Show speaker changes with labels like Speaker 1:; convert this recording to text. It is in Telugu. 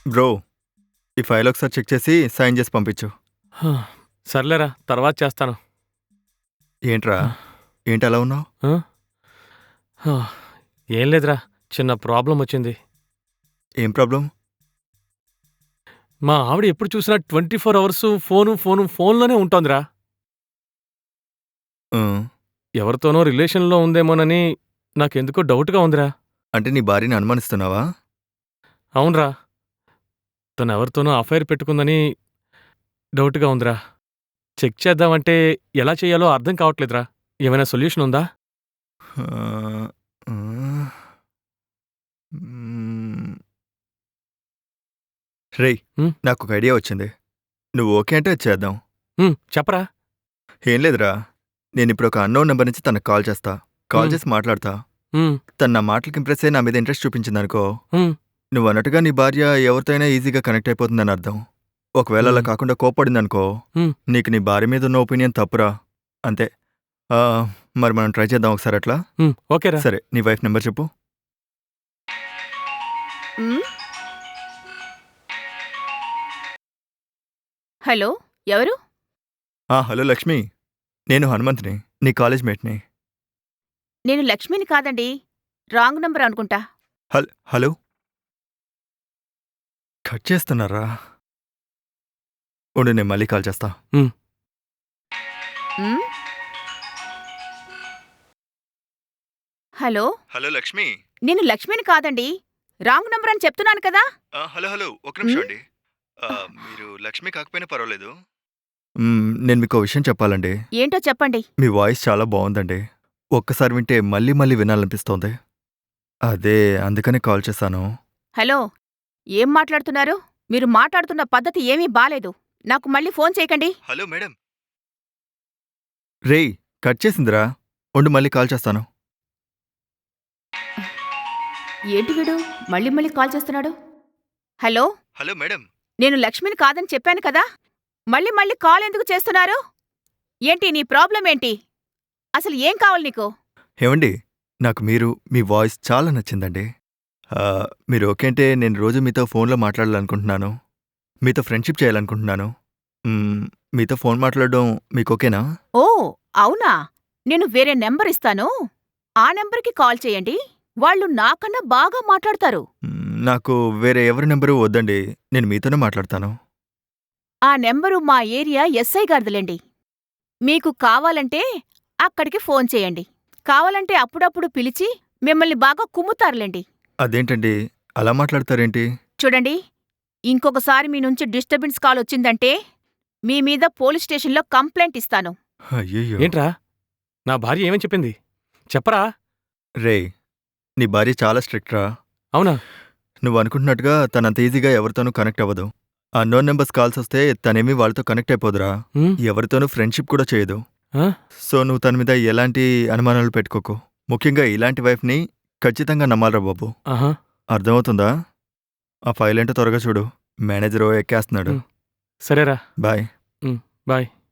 Speaker 1: బ్రో, ఈ ఫైల్ ఒకసారి చెక్ చేసి సైన్ చేసి పంపించు.
Speaker 2: సర్లేరా, తర్వాత చేస్తాను.
Speaker 1: ఏంట్రా, ఏంటి అలా ఉన్నావు?
Speaker 2: ఆ? ఆ, ఏం లేదురా, చిన్న ప్రాబ్లం వచ్చింది.
Speaker 1: ఏం ప్రాబ్లం?
Speaker 2: మా ఆవిడ ఎప్పుడు చూసినా 24 అవర్స్ ఫోన్లోనే ఉంటోందిరా.
Speaker 1: ఆ,
Speaker 2: ఎవరితోనో రిలేషన్లో ఉందేమోనని నాకెందుకో డౌట్గా ఉందిరా.
Speaker 1: అంటే నీ భార్యని అనుమానిస్తున్నావా?
Speaker 2: అవునరా, తను ఎవరితోనో అఫైర్ పెట్టుకుందని డౌట్గా ఉందిరా. చెక్ చేద్దామంటే ఎలా చేయాలో అర్థం కావట్లేదురా. ఏమైనా సొల్యూషన్ ఉందా?
Speaker 1: ఆ, ఆ, మ్మ్. రేయ్,
Speaker 2: ఉమ్,
Speaker 1: నాకు ఒక ఐడియా వచ్చింది. నువ్వు ఓకే అంటే అది చేద్దాం.
Speaker 2: చెప్పరా.
Speaker 1: ఏం లేదురా, నేను ఇప్పుడు ఒక అన్నోన్ నెంబర్ నుంచి తనకు కాల్ చేస్తా. కాల్
Speaker 2: ఉమ్,
Speaker 1: చేసి మాట్లాడతా.
Speaker 2: ఉమ్,
Speaker 1: తను నా మాటలకి ఇంప్రెస్ అయ్యి నా మీద ఇంట్రెస్ట్ చూపించిందనుకో,
Speaker 2: ఉమ్,
Speaker 1: నువ్వు అన్నట్టుగా నీ భార్య ఎవరితో అయినా ఈజీగా కనెక్ట్ అయిపోతుందని అర్థం. ఒకవేళ అలా
Speaker 2: ఉమ్,
Speaker 1: కాకుండా కోప్పడిందనుకో,
Speaker 2: ఉమ్.
Speaker 1: నీకు నీ భార్య మీద ఉన్న ఒపీనియన్ తప్పురా. అంతే. ఆ, మరి మనం ట్రై చేద్దాం ఒకసారి అట్లా.
Speaker 2: ఓకేరా.
Speaker 1: సరే, నీ వైఫ్ నెంబర్ చెప్పు.
Speaker 3: హ్మ్. హలో, ఎవరు?
Speaker 1: హలో లక్ష్మి, నేను హనుమంత్ని, నీ కాలేజ్ మేట్ని.
Speaker 3: నేను లక్ష్మిని కాదండి. రాంగ్ నంబర్ అనుకుంటా.
Speaker 1: హలో, కట్ చేస్తున్నారా? ఉండు, నేను మళ్ళీ కాల్ చేస్తా.
Speaker 3: హ్మ్. Hello,
Speaker 1: hello Lakshmi.
Speaker 3: నేను లక్ష్మిని కాదండి. రాంగ్ నంబర్ అని చెప్తున్నాను కదా!
Speaker 1: హలో హలో, ఒక నిమిషం
Speaker 3: హ్మ్.
Speaker 1: అండి. మీరు లక్ష్మి కాకపోయినా పర్వాలేదు. నేను మీకు విషయం చెప్పాలండి.
Speaker 3: ఏంటో చెప్పండి.
Speaker 1: మీ వాయిస్ చాలా బాగుందండి. ఒక్కసారి వింటే మళ్ళీ మళ్ళీ వినాలనిపిస్తోంది. అదే అందుకనే కాల్ చేశాను.
Speaker 3: హలో, ఏం మాట్లాడుతున్నారు? మీరు మాట్లాడుతున్న పద్ధతి ఏమీ బాలేదు. నాకు మళ్ళీ ఫోన్ చేయకండి.
Speaker 1: Hello madam. రేయ్, కట్ చేసిందిరా. ఉండు, మళ్ళీ కాల్ చేస్తాను.
Speaker 3: ఏంటి వీడు మళ్ళీ మళ్ళీ కాల్ చేస్తున్నాడు? Hello,
Speaker 1: hello madam.
Speaker 3: నేను లక్ష్మిని కాదని చెప్పాను కదా! మళ్ళీ మళ్ళీ కాల్ ఎందుకు చేస్తున్నారు? ఏంటి నీ ప్రాబ్లం ఏంటి? అసలు ఏం కావాలి నీకు?
Speaker 1: ఏవండి, నాకు మీ వాయిస్ చాలా నచ్చిందండి. మీరు ఓకే అంటే నేను రోజు మీతో ఫోన్లో మాట్లాడాలనుకుంటున్నాను. మీతో ఫ్రెండ్షిప్ చేయాలనుకుంటున్నాను. మీతో ఫోన్ మాట్లాడడం మీకు ఓకేనా?
Speaker 3: ఓ, అవునా? నేను వేరే నెంబర్ ఇస్తాను. ఆ నెంబర్కి కాల్ చేయండి. వాళ్ళు నాకన్నా బాగా మాట్లాడతారు.
Speaker 1: నాకు వేరే ఎవరి నెంబరు వద్దండి. నేను మీతోనే మాట్లాడతాను.
Speaker 3: ఆ నెంబరు మా ఏరియా ఎస్ఐ గారిదిలేండి. మీకు కావాలంటే అక్కడికి ఫోన్ చేయండి. కావాలంటే అప్పుడప్పుడు పిలిచి మిమ్మల్ని బాగా కుమ్ముతారులేండి.
Speaker 1: అదేంటండి, అలా మాట్లాడతారేంటి?
Speaker 3: చూడండి, ఇంకొకసారి మీ నుంచి డిస్టర్బెన్స్ కాల్ వచ్చిందంటే మీ మీద పోలీస్ స్టేషన్లో కంప్లైంట్ ఇస్తాను.
Speaker 1: అయ్యయ్యో!
Speaker 2: ఏంట్రా, నా భార్య ఏమని చెప్పింది చెప్పరా.
Speaker 1: రేయ్, నీ భార్య చాలా స్ట్రిక్ట్ రా.
Speaker 2: అవునా?
Speaker 1: నువ్వు అనుకుంటున్నట్టుగా తనంత ఈజీగా ఎవరితోనూ కనెక్ట్ అవ్వదు. అన్నోన్ నెంబర్స్ కాల్స్ వస్తే తనేమీ వాళ్ళతో కనెక్ట్ అయిపోదురా.
Speaker 2: ఉమ్,
Speaker 1: ఎవరితోనూ ఫ్రెండ్షిప్ కూడా చేయదు.
Speaker 2: ఆ?
Speaker 1: సో నువ్వు తన మీద ఎలాంటి అనుమానాలు పెట్టుకోకు. ముఖ్యంగా ఇలాంటి వైఫ్ని ఖచ్చితంగా నమ్మాలరా బాబు.
Speaker 2: ఆహా.
Speaker 1: అర్థమవుతుందా? ఆ ఫైల్ ఏంటో త్వరగా చూడు. మేనేజర్ ఎక్కేస్తున్నాడు.
Speaker 2: సరేరా.
Speaker 1: బాయ్.
Speaker 2: బాయ్.